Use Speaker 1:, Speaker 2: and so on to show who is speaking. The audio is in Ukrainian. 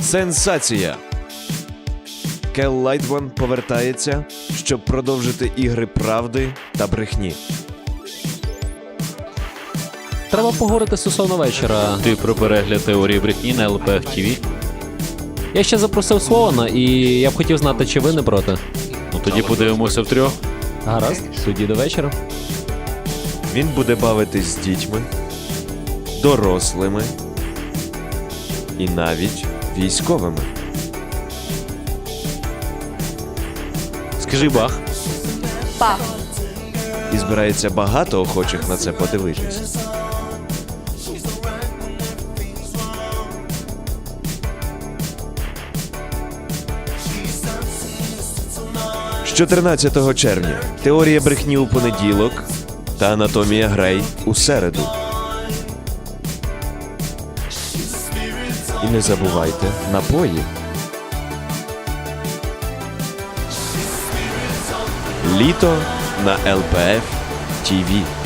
Speaker 1: Сенсація! Кел Лайтман повертається, щоб продовжити ігри правди та брехні.
Speaker 2: Треба поговорити стосовно вечора.
Speaker 3: Ти про перегляд теорії брехні на ЛПФ ТВ?
Speaker 2: Я ще запросив Слована, і я б хотів знати, чи ви не проти.
Speaker 3: Ну тоді подивимося втрьох.
Speaker 2: Гаразд, тоді до вечора.
Speaker 1: Він буде бавитись з дітьми, дорослими і навіть військовими.
Speaker 3: Скажи бах.
Speaker 4: Пах.
Speaker 1: І збирається багато охочих на це подивитись. З 14 червня теорія брехні у понеділок та анатомія Грей у середу. І не забувайте напої. Літо на ЛПФ ТВ.